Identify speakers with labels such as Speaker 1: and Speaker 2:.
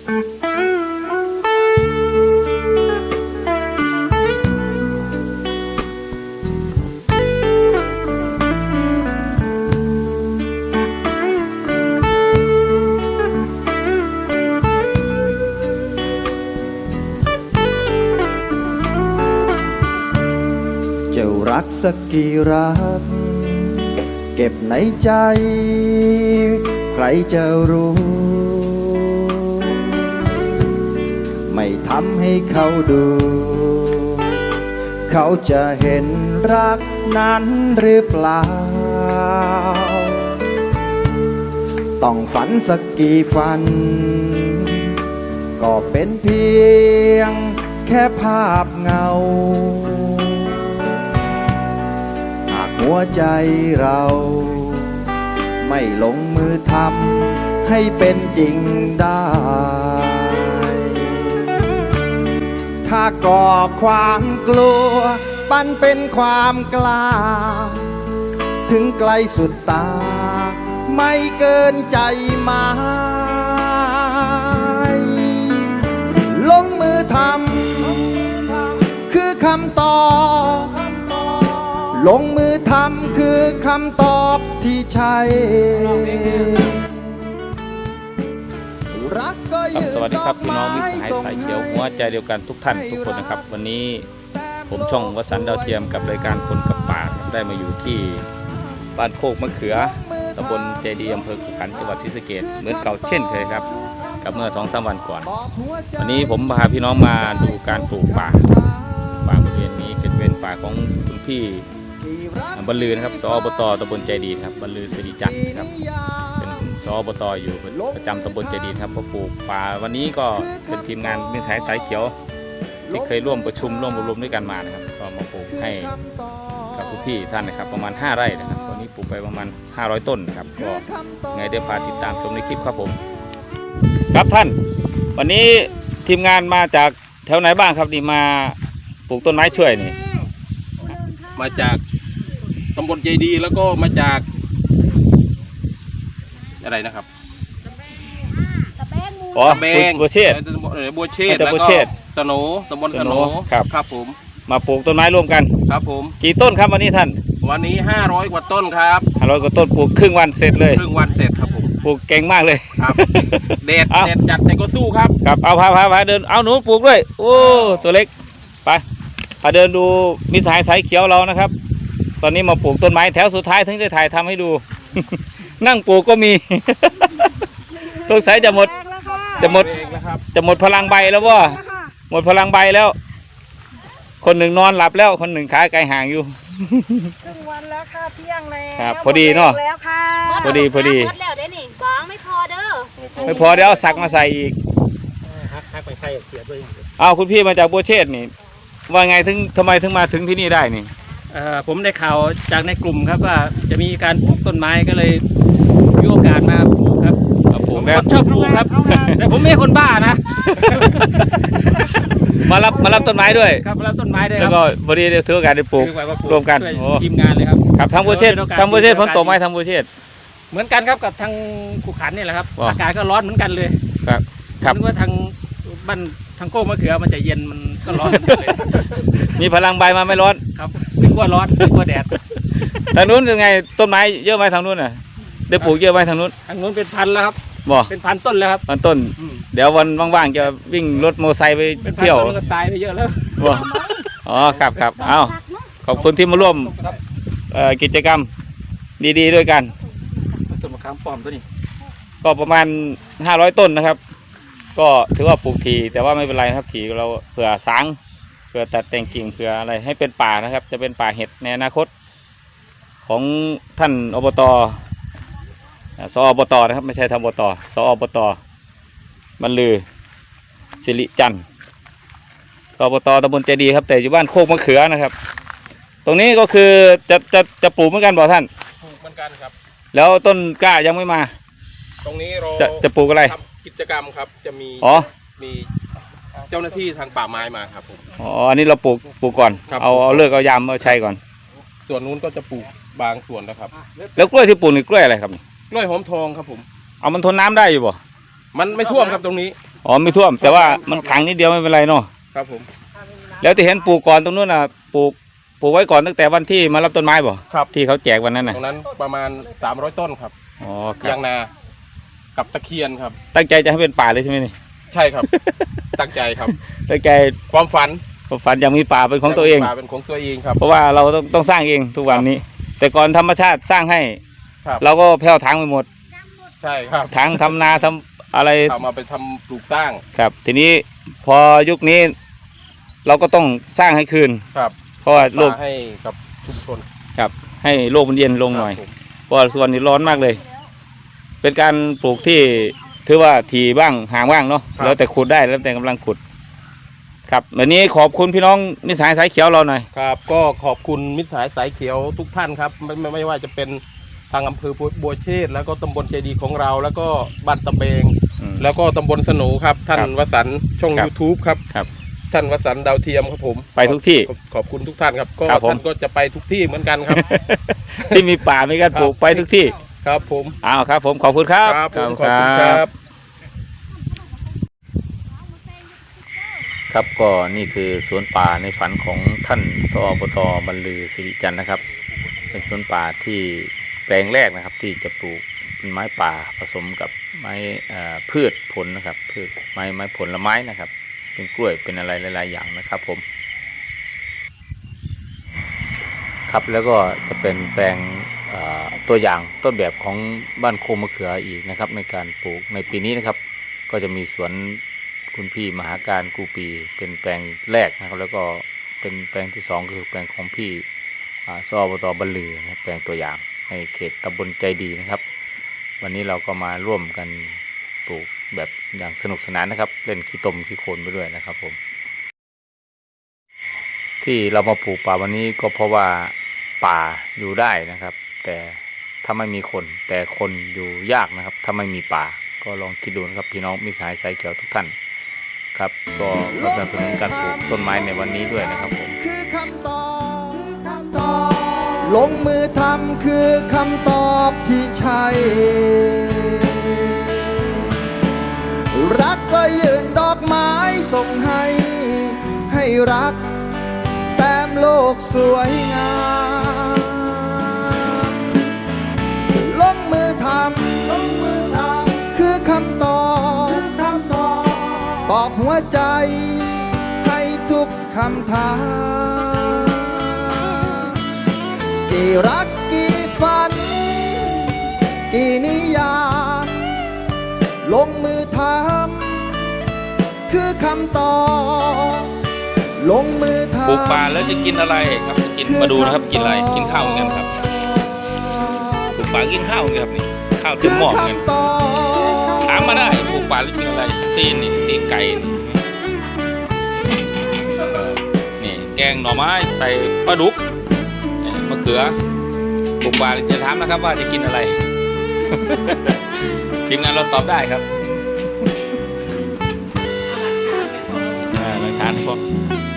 Speaker 1: จะรักสักกี่รักเก็บในใจใครจะรู้ไม่ทำให้เขาดูเขาจะเห็นรักนั้นหรือเปล่าต้องฝันสักกี่ฝันก็เป็นเพียงแค่ภาพเงาหัวใจเราไม่ลงมือทำให้เป็นจริงได้ถ้าก่อความกลัวปั้นเป็นความกล้าถึงไกลสุดตาไม่เกินใจหมายลงมือทำคือคำตอบลงมือทำคือคำตอบที่ใช่รักก็ยืน
Speaker 2: สวัสดีครับพี่น้องมิตรสหายสายเขียวหัวใจเดียวกันทุกท่านทุกคนนะครับวันนี้ผมช่องวสันต์ดาวเทียมกับรายการคนกับป่าได้มาอยู่ที่บ้านโคกมะเขือตำบลเจดีย์อำเภอขุขันธ์จังหวัดศรีสะเกษเหมือนเก่าเช่นเคยครับกับเมื่อ 2-3 วันก่อนวันนี้ผมพาพี่น้องมาดูการปลูกป่าบริเวณนี้เป็นป่าของคุณพี่บรรลือนะครับสอบต.ตำบลเจดีย์ครับบรรลือสิริจันทร์ครับเป็นสอบต.อยู่ประจำตำบลเจดีย์ครับพอปลูกป่าวันนี้ก็เป็นทีมงานมิตรสหายสายเขียวที่เคยร่วมประชุมร่วมอบรมด้วยกันมานะครับก็มาปลูกให้กับคุณพี่ท่านนะครับประมาณ5 ไร่นะครับตอนนี้ปลูกไปประมาณ500 ต้นครับก็ไงได้พาติดตามชมในคลิปครับผมครับท่านวันนี้ทีมงานมาจากแถวไหนบ้างครับนี่มาปลูกต้นไม้ช่วยนี่
Speaker 3: มาจากตำบลเจดีย์แล้วก็มาจากอะไรนะครับ
Speaker 2: อ๋อบัวเชษ
Speaker 3: บัวเชษแล้วก็สโนตำบลสโนครับผม
Speaker 2: มาปลูกต้นไม้ร่วมกัน
Speaker 3: ครับผม
Speaker 2: กี่ต้นครับวันนี้ท่าน
Speaker 3: วันนี้500 กว่าต้นครับ
Speaker 2: 500 กว่าต้นปลูกครึ่งวันเสร็จเลย
Speaker 3: ครึ่งวันเสร็จครับผม
Speaker 2: ปลูกเก่งมากเลย
Speaker 3: ครับเด็ดจัดแต่ก็สู้ครับ
Speaker 2: ครับเอาพาเดินเอาหนูปลูกด้วยโอ้ตัวเล็กไปเดินดูมิตรสหายสายเขียวเรานะครับตอนนี้มาปลูกต้นไม้แถวสุดท้ายถึงจะถ่ายทำให้ดู นั่งปลูกก็มี ต้นสายจะหมดพลังใบแล้วว่าหมดพลังใบแล้วคนหนึ่งนอนหลับแล้วคนหนึ่งขาไกลห่างอยู่
Speaker 4: ครึ่งวันแล้วค่ะเที่ยงแล้ว
Speaker 2: ครับพอดีเนาะพอดี
Speaker 4: หมดแล้วได้หนิบ้องไม่พอเด้อ
Speaker 2: ไม่พอเดี๋ยวเอาสักมาใส่อีก
Speaker 3: ฮักไปใส่เสียด้วย
Speaker 2: เอาคุณพี่มาจากบัวเชษนี่ว่าไงทำไมถึงมาถึงที่นี่ได้นี่
Speaker 3: ผมได้ข่าวจากในกลุ่มครับว่าจะมีการปลูกต้นไม้ก็เลยมีโอกาสมาปลูกครับผมชอบปลูกครับแต่ผมไม่ใช่คนบ้านะ
Speaker 2: มารับต้นไม้ด้วย
Speaker 3: ครับมารับต้นไม้ด้วย
Speaker 2: แล้วก็พอดีได้ถือโอกาสได้ปลูกรวมกัน
Speaker 3: ทีมงานเลยครับ
Speaker 2: ครับทางบัวเชษฝนตกไหมทางบัวเชษ
Speaker 3: เหมือนกันครับกับทางขุขันนี่แหละครับอากาศก็ร้อนเหมือนกันเลย
Speaker 2: ครับ
Speaker 3: ว่าทางบ้านทางโก้มะเขือมันจะเย็นมันก็ร้อนเลย
Speaker 2: มีพลังใบมาไม่ร้อน
Speaker 3: ครับนึกว่าร้อนนึกว่าแดด
Speaker 2: ทางนู้นยังไงต้นไม้เยอะไหมทางนู้นน่ะได้ปลูกเยอะไหมทางนู้น
Speaker 3: เป็นพันแล้วครับเป็นพันต้นแล้วครับ
Speaker 2: พันต้นเดี๋ยววันว่างๆจะวิ่งรถมอเตอร์ไซค์ไปเที่ยว
Speaker 3: ก็ตายไปเยอะแล้ว
Speaker 2: อ๋อครับเอาขอบคุณที่มาร่วมกิจกรรมดีๆด้วยกัน
Speaker 3: ต้นมะขามป้อมตัวนี้
Speaker 2: ก็ประมาณ500 ต้นนะครับก็ถือว่าปลูกทีแต่ว่าไม่เป็นไรครับทีเราเผื่อสางเผื่อตัดแต่งกิ่งเผื่ออะไรให้เป็นป่านะครับจะเป็นป่าเห็ดในอนาคตของท่านอบต.สอบต.นะครับไม่ใช่ทางอบต.สอบต.บรรลือสิริจันทร์สอบต.ตำบลเจดีย์ครับแต่อยู่บ้านโคกมะเขือนะครับตรงนี้ก็คือจะปลูกเหมือนกันบ่ท่าน
Speaker 3: ปลูกเหมือนกันครับ
Speaker 2: แล้วต้นกล้ายังไม่มา
Speaker 3: ตรงนี้เรา
Speaker 2: จะปลูกอะไร
Speaker 3: กิจกรรมครับจะมีเจ้าหน้าที่ทางป่าไม้มาครับผม
Speaker 2: อันนี้เราปลูกก่อนเอาเลิกเอายามเอาชัยก่อน
Speaker 3: ส่วนนู้นก็จะปลูกบางส่วนนะครับ
Speaker 2: แล้วกล้วยที่ปลูกนี่กล้วยอะไรครับ
Speaker 3: กล้วยหอมทองครับผม
Speaker 2: เอามันทนน้ำได้อยู่บ่
Speaker 3: มันไม่ท่วมครับตรงนี้
Speaker 2: อ๋อไม่ท่วม แต่ว่ามันขังนิดเดียวไม่เป็นไรเนาะ
Speaker 5: ครับผม
Speaker 2: แล้วที่เห็นปลูกก่อนตรงนู้นน่ะปลูกไว้ก่อนตั้งแต่วันที่มารับต้นไม้บ่
Speaker 5: ครับ
Speaker 2: ที่เขาแจกวันนั้น
Speaker 5: ต
Speaker 2: น่ะ
Speaker 5: รงนั้นประมาณ300ต้นครับ
Speaker 2: อ๋อครั
Speaker 5: ยา
Speaker 2: บ
Speaker 5: งนากับตะเคียนครับ
Speaker 2: ตั้งใจจะให้เป็นป่าเลยใช่ไหมนี่
Speaker 5: ใช่ครับ ตั้งใจครับ
Speaker 2: ตั้งใจ
Speaker 5: ความฝัน
Speaker 2: ฝันอยากมีป่าเป็นของตัวเอง
Speaker 5: ป่าเป็นของตัวเองครับ
Speaker 2: เพราะว่าเราต้องสร้างเองทุกวันนี้ แต่ก่อนธรรมชาติสร้างให้
Speaker 5: ครับ
Speaker 2: เราก็แผ่วทางไปหมด
Speaker 5: ใช่ครับ
Speaker 2: ทางทำนาทำอะไร
Speaker 5: เอามาไปทำปลูกสร้าง
Speaker 2: ครับ ทีนี้พอยุคนี้ เราก็ต้องสร้างให้คืน
Speaker 5: ครับ
Speaker 2: เพราะว่าโลก
Speaker 5: ป่าให้กับชุมชน
Speaker 2: ครับ ให้โลกมันเย็นลงหน่อย
Speaker 5: ครับผม
Speaker 2: เพราะว่าส่วนนี้ร้อนมากเลย เป็นการปลูกที่ถือว่าถี่บ้างห่างบ้างเนาะแล้วแต่ขุดได้แล้วแต่กำลังขุด ครับวันนี้ขอบคุณพี่น้องมิตรสหายสายเขียวเราหน่อย
Speaker 5: ครับก็ขอบคุณมิตรสหายสายเขียวทุกท่านครับไม่ว่าจะเป็นทางอำเภอบัวเชษฐ์แล้วก็ตำบลเจดีของเรา แล้วก็บ้านตะเบง แล้วก็ตำบลสนูครับ ท่าน
Speaker 2: ครับ
Speaker 5: วสันต์ช่อง
Speaker 2: ครับ
Speaker 5: YouTube ครับ
Speaker 2: ครับ
Speaker 5: ท่านวสันต์ดาวเทียมครับผม
Speaker 2: ไปทุกที่
Speaker 5: ขอบคุณทุกท่านครับก็
Speaker 2: ครับผม
Speaker 5: ท่านก็จะไปทุกที่เหมือนกันครับ
Speaker 2: ที่มีป่ามีการปลูกไปทุกที่
Speaker 5: ครับผม
Speaker 2: อ้าวครับ ผมขอบคุณครับ
Speaker 5: ครับผมขอบคุณครับ
Speaker 2: ครับก็นี่คือสวนป่าในฝันของท่านสอบต.บรรลือสิริจันทร์นะครับ เป็นสวนป่าที่แปลงแรกนะครับ ที่จะปลูกเป็นไม้ป่าผสมกับไม้พืชผลนะครับพืชไม้ผลไม้นะครับ เป็นกล้วยเป็นอะไรหลายๆอย่างนะครับผมครับแล้วก็จะเป็นแปลงตัวอย่างต้นแบบของบ้านโคมมะเขืออีกนะครับ ในการปลูกในปีนี้นะครับ ก็จะมีสวนคุณพี่มหาการกูปีเป็นแปลงแรกนะครับ แล้วก็เป็นแปลงที่สองคือแปลงของพี่สอบต.บรรลือนะครับแปลงตัวอย่างในเขตตำบลใจดีนะครับ วันนี้เราก็มาร่วมกันปลูกแบบอย่างสนุกสนานนะครับ เล่นขี้ตมขี้โคลนไปด้วยนะครับผมที่เรามาปลูกป่าวันนี้ก็เพราะว่าป่าอยู่ได้นะครับ แต่ถ้าไม่มีคนแต่คนอยู่ยากนะครับ ถ้าไม่มีป่าก็ลองคิดดูนะครับพี่น้องมิตรสหายสายเขียวทุกท่านครับก็สนับสนุนการปลูกต้นไม้ในวันนี้ด้วยนะครับผม
Speaker 1: คือคำตอบลงมือทำคือคำตอบที่ใช่ รักก็ยืนดอกไม้ส่งให้รักแต้มโลกสวยงามลงมือทำคือคำตอบตอบหัวใจให้ทุกคำถามกี่รักกี่ฝัน กี่นิยามลงมือทำคือคำตอบลงมือทำ
Speaker 2: ปลูกป่าแล้วจะกินอะไรครับจะกินมาดูนะครับกินอะไรกินข้าวเหมือนกันครับปลูกป่ากินข้าวเหมือนกันครับนี่ข้าวเต็มหม้อเหมือนกันถามมาได้ปลูกป่าแล้วกินอะไรตีนนี่ตีนไก่นี่แกงหน่อไม้ใส่ปลาดุกมะเขือปลูกป่าจะถามนะครับว่าจะกินอะไร ทีมงานเราตอบได้ครับหลักฐานพวก